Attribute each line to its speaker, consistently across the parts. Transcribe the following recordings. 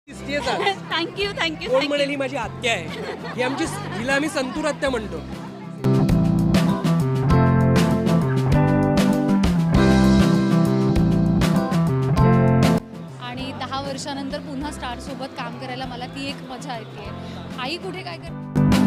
Speaker 1: दिसतेच आज.
Speaker 2: Thank you thank you
Speaker 1: कोण म्हणेल ही माझी आत्या आहे, ही आमची, हिला आम्ही संतूर आत्या म्हणतो.
Speaker 2: आणि 10 वर्षानंतर पुन्हा स्टार सोबत काम करायला मला ती एक मजा येते. आई कुठे काय करते.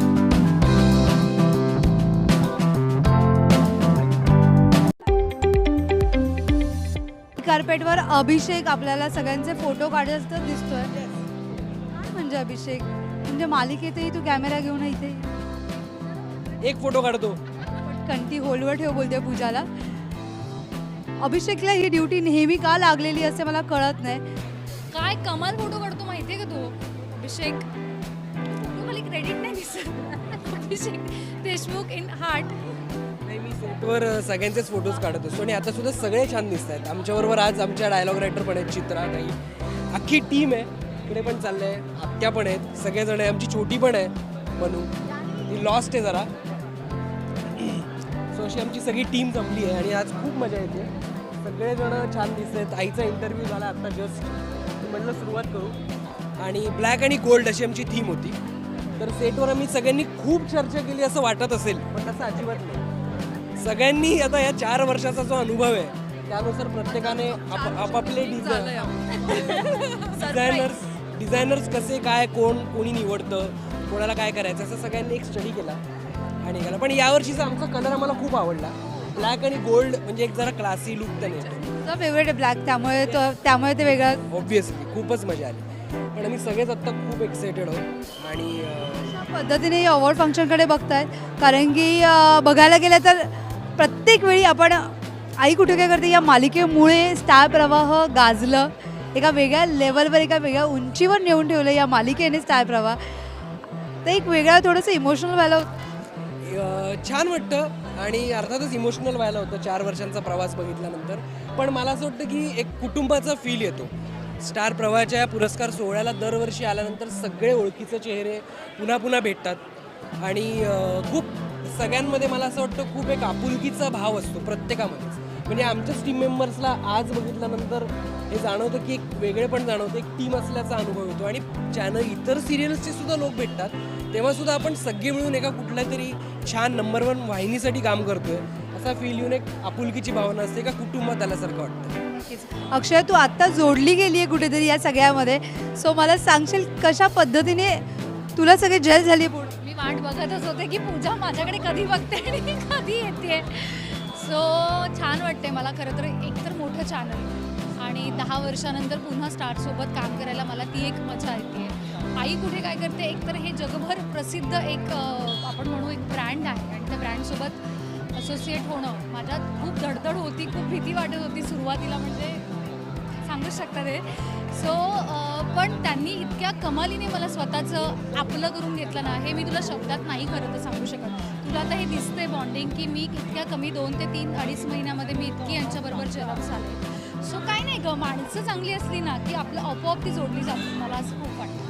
Speaker 3: कार्पेटवर अभिषेक आपल्याला सगळ्यांचे फोटो काढत दिसतोय. काय म्हणजे अभिषेक, म्हणजे मालिकेतही तू कॅमेरा घेऊन इथे
Speaker 1: एक फोटो काढतो.
Speaker 3: कंटी होलवर ठेव बोलते पूजाला. अभिषेकला ही ड्युटी नेहमी का लागलेली असते मला कळत नाही.
Speaker 2: काय कमाल फोटो काढतो माहितीये का तू अभिषेक. तू मला क्रेडिट नाही दिसत. Abhishek Deshmukh in heart.
Speaker 1: मी सेटवर सगळ्यांचेच फोटोज काढत असतो आणि आता सुद्धा सगळे छान दिसत आहेत. आमच्याबरोबर आज आमच्या डायलॉग रायटर पण आहेत, चित्रा ताई, अख्खी टीम आहे. इकडे पण चाललंय, आत्या पण आहेत, सगळेजण आहे. आमची छोटी पण आहे मनू, ती लॉस्ट आहे जरा. सो अशी आमची सगळी टीम जमली आहे आणि आज खूप मजा येते. सगळेजण छान दिसत आहेत. आईचा इंटरव्ह्यू झाला आत्ता जस्ट, म्हटलं सुरुवात करू. आणि ब्लॅक आणि गोल्ड अशी आमची थीम होती. तर सेटवर आम्ही सगळ्यांनी खूप चर्चा केली असं वाटत असेल, पण तसं अजिबात नाही. सगळ्यांनी आता या 4 वर्षाचा जो अनुभव आहे त्यानुसार प्रत्येकाने आपापले डिझायनर्स कसे काय कोणी निवडतं, कोणाला काय करायचं, असं सगळ्यांनी एक स्टडी केला आणि केला. पण यावर्षीचा आमचा कलर आम्हाला खूप आवडला. ब्लॅक आणि गोल्ड म्हणजे एक जरा क्लासी लुक त्याने.
Speaker 3: तुझा फेवरेट आहे ब्लॅक, त्यामुळे ते वेगळं.
Speaker 1: ऑब्व्हियसली खूपच मजा आली. पण आम्ही सगळेच आत्ता खूप एक्सायटेड आहोत आणि
Speaker 3: अशा पद्धतीने अवॉर्ड फंक्शनकडे बघतायत. कारण की बघायला गेलं तर प्रत्येक वेळी आपण आई कुठे काय करते या मालिकेमुळे स्टार प्रवाह गाजलं. एका वेगळ्या लेवलवर, एका वेगळ्या उंचीवर नेऊन ठेवलं या मालिकेने स्टार प्रवाह. तर एक वेगळा थोडंसं इमोशनल व्हायला
Speaker 1: छान वाटतं आणि अर्थातच इमोशनल व्हायला होतं 4 वर्षांचा प्रवास बघितल्यानंतर. पण मला असं वाटतं की एक कुटुंबाचा फील येतो. स्टार प्रवाहाच्या या पुरस्कार सोहळ्याला दरवर्षी आल्यानंतर सगळे ओळखीचे चेहरे पुन्हा पुन्हा भेटतात आणि खूप सगळ्यांमध्ये मला असं वाटतं खूप एक आपुलकीचा भाव असतो प्रत्येकामध्येच. म्हणजे आमच्याच टीम मेंबर्सला आज बघितल्यानंतर हे जाणवतं की एक वेगळेपण जाणवतं, एक टीम असल्याचा अनुभव येतो. आणि इतर सिरियल्सचे सुद्धा लोक भेटतात तेव्हासुद्धा आपण सगळे मिळून एका कुठल्या तरी छान नंबर 1 वाहिनीसाठी काम करतोय असा फील येऊन एक आपुलकीची भावना असते, एका कुटुंबात आल्यासारखं वाटतं.
Speaker 3: अक्षय, तू आत्ता जोडली गेली आहे कुठेतरी या सगळ्यामध्ये. सो मला सांगशील कशा पद्धतीने तुला सगळे जेल झाली आहे?
Speaker 2: मी वाट बघतच होते की पूजा माझ्याकडे कधी बघते आणि कधी येते. सो छान वाटते मला. खरं तर एकतर मोठं चॅनल आणि 10 वर्षानंतर पुन्हा स्टारसोबत काम करायला मला ती एक मजा येते. आई कुठे काय करते, एकतर हे जगभर प्रसिद्ध एक आपण म्हणू एक ब्रँड आहे आणि त्या ब्रँडसोबत असोसिएट होणं माझ्यात खूप धडधड होती, खूप भीती वाटत होती सुरुवातीला, म्हणजे सांगूच शकता ते. सो पण त्यांनी इतक्या कमालीने मला स्वतःचं आपलं करून घेतलं ना, हे मी तुला शब्दात नाही खरं तर सांगू शकत. तुला आता हे दिसतंय बॉन्डिंग की मी इतक्या कमी 2 ते 3-2.5 महिन्यामध्ये मी इतकी यांच्याबरोबर जलम झाले. सो काय नाही ग, माणसं चांगली असली ना की आपलं आपोआप ती जोडली जाते. मला असं खूप वाटतं.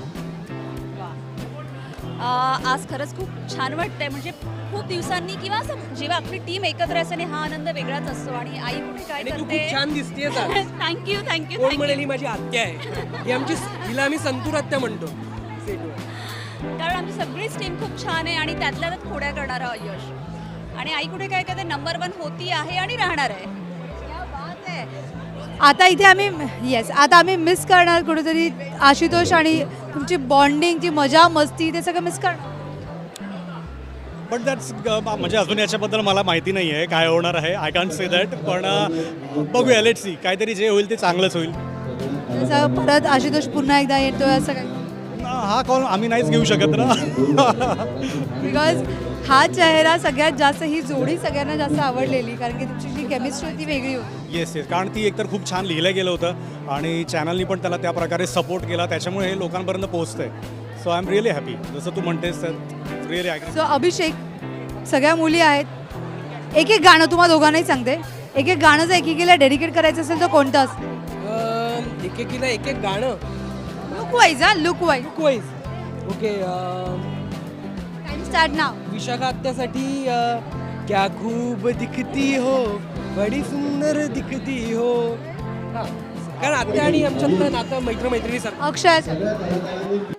Speaker 4: आज खरंच खूप छान वाटतंय. म्हणजे खूप दिवसांनी किंवा असं जेव्हा आपली टीम एकत्र असते आणि हा आनंद वेगळाच असतो. आणि आई कुठे काय
Speaker 1: आणि तू
Speaker 4: करते.
Speaker 1: खूप छान दिसतेस आज.
Speaker 2: थँक्यू थँक्यू
Speaker 1: कोण म्हणेल ही माझी आत्या आहे, ही आमची, हिला आम्ही संतूर आत्या म्हणतो सेटवर.
Speaker 4: कारण आमची सगळीच टीम खूप छान आहे आणि त्यातल्या त्यात खोड्या करणारा यश. आणि आई कुठे काय करते नंबर 1 होती आहे आणि राहणार आहे. क्या बात आहे.
Speaker 3: आता इथे आम्ही मिस करणार कुठेतरी आशुतोष आणि तुमची बॉन्डिंग, ती मजा मस्ती, ते सगळं मिस करणार.
Speaker 5: बट दॅट्स म्हणजे अजून याच्याबद्दल मला माहिती नाही आहे काय होणार आहे. I can't say that. पण बघूया, लेट्स सी. काहीतरी जे होईल ते चांगलंच होईल.
Speaker 3: जसं परत आशुतोष पुन्हा एकदा येतोय असं काही,
Speaker 5: हा कॉल आम्ही नाहीच घेऊ शकत ना.
Speaker 3: बिकॉज हा चेहरा सगळ्यात जास्त, ही जोडी सगळ्यांना जास्त आवडलेली, कारण की तुमची जी केमिस्ट्री ती वेगळी होती.
Speaker 5: येस कारण ती एकतर खूप छान लिहिलं गेलं होतं आणि चॅनलनी पण त्याला त्या प्रकारे सपोर्ट केला, त्याच्यामुळे हे लोकांपर्यंत पोहोचतंय. So I am really happy. जसं तू म्हणतेस तर रिअली ॲग्री.
Speaker 3: सो अभिषेक, सगळ्या मुली आहेत, एक एक गाणं तुम्हाला दोघांनाही सांगते. एक एक गाणं जर एकेकीला डेडिकेट करायचं असेल तर कोणतं असतं?
Speaker 1: एकेकीला एक एक गाणं
Speaker 3: look wise. Look wise.
Speaker 1: Okay.
Speaker 3: Time start नाव.
Speaker 1: विशाखा आत्यासाठी क्या खूब दिखती हो, बडी सुंदर दिखती हो. हां, कारण आत्या आणि आमच्यातलं नातं मैत्रिणीसारखं.
Speaker 3: अक्षय